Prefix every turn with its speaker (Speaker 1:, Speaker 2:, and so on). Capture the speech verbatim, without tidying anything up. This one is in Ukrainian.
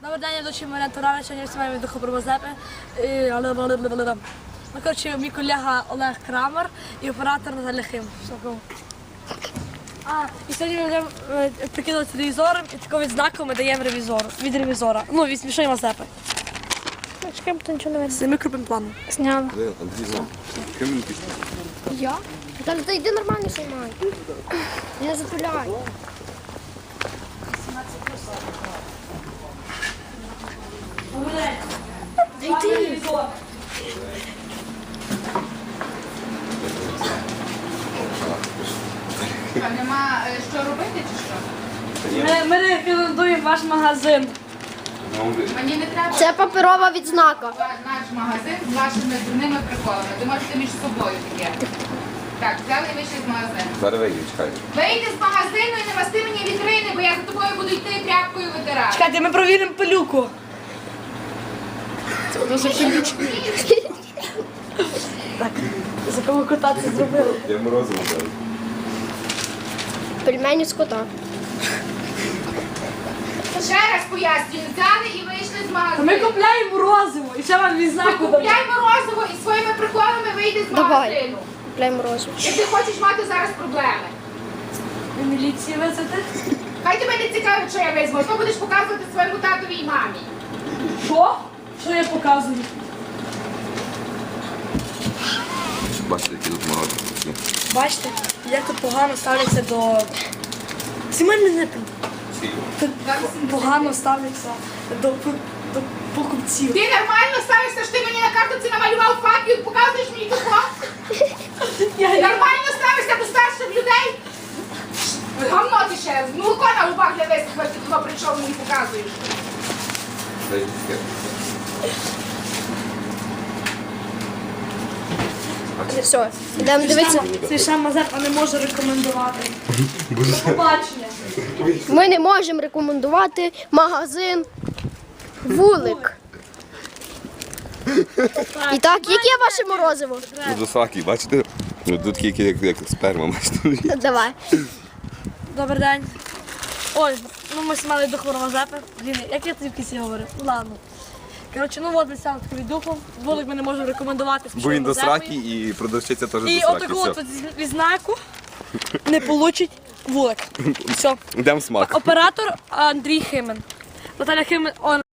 Speaker 1: Добрий день, я дочі Марія Турана, сьогодні знімаємо від Духопромозепи. Ну, коротше, мій колега Олег Крамер і оператор Наталя Хим. А, і сьогодні ми будемо прикидувати телевізором і такого відзнаку ми даємо ревізору, від ревізора. Ну, від смішної Мазепи.
Speaker 2: Чекаємо, то нічого не видно.
Speaker 1: З мікропим планом.
Speaker 2: Зняла.
Speaker 3: Андрій знав. Ким він пішов?
Speaker 2: Я? Та ти йди нормально знімай. Я запиляю. Та йди.
Speaker 4: А нема е, що робити чи що?
Speaker 1: Ми, ми рекомендуємо ваш магазин.
Speaker 4: Мені не треба
Speaker 2: Це паперова відзнака.
Speaker 4: наш магазин з вашими дурними приколами. Ви можете між собою таке. Так, взяли і вийшли з магазину.
Speaker 3: Зараз вийди, чекай.
Speaker 4: Вийди з магазину і не масти мені вітрини, бо я за тобою буду йти тряпкою витирати.
Speaker 1: Чекайте, ми провіримо пилюку. Це дуже пилючка. Так, за кого кота це зробили?
Speaker 3: Я морозиво дав.
Speaker 2: Пельмені з кота.
Speaker 4: Ще раз пояснюю, взяли і вийшли з
Speaker 1: Ми
Speaker 4: магазину.
Speaker 1: купляємо морозиво і ще вам відзнаку дамо.
Speaker 4: Купляй морозиво і своїми приколами вийди з
Speaker 2: Давай.
Speaker 4: магазину.
Speaker 2: Купляємо розум.
Speaker 4: Як ти хочеш мати зараз проблеми.
Speaker 1: Ви міліції везете?
Speaker 4: Хай тебе не цікавить, що я візьму. Що будеш показувати своєму татові і мамі?
Speaker 1: Що? Що я показую?
Speaker 3: Бачите, які тут морозиво.
Speaker 1: Бачите, як тут погано ставляться до... Сімейний не пий. Тут погано ставляться до, до покупців.
Speaker 4: Ти нормально ставишся, що ти мені на картоці намалював факт і показуєш мені телефон?
Speaker 1: Я, я...
Speaker 4: Нормально ставишся до старших людей? Гавно ти ще, молоко на губах для висохло, ти туди прийшов мені показуєш.
Speaker 2: Все, йдемо дивитися.
Speaker 1: Смішна Мазепа не може рекомендувати. До побачення.
Speaker 2: Ми не можемо рекомендувати магазин Вулик. І так, яке ваше морозиво?
Speaker 3: Тут високий, бачите? Тут такі, які як, як сперма, бачите?
Speaker 2: Давай.
Speaker 1: Добрий день. Ой, ну ми знімали Духу Мазепи. Блін, як я тобі в кінці говорив? Ну ладно. Коротше, ну от ми саме такий духом. Вулик ми не можемо рекомендувати. з
Speaker 3: Бо він до
Speaker 1: Мазепою.
Speaker 3: сраки і продавщиця теж до
Speaker 1: І
Speaker 3: сраки.
Speaker 1: отаку от
Speaker 3: Все.
Speaker 1: відзнаку не получить Вулик. Все.
Speaker 3: Йдемо смак.
Speaker 1: Оператор Андрій Химен. Наталя Химен. Он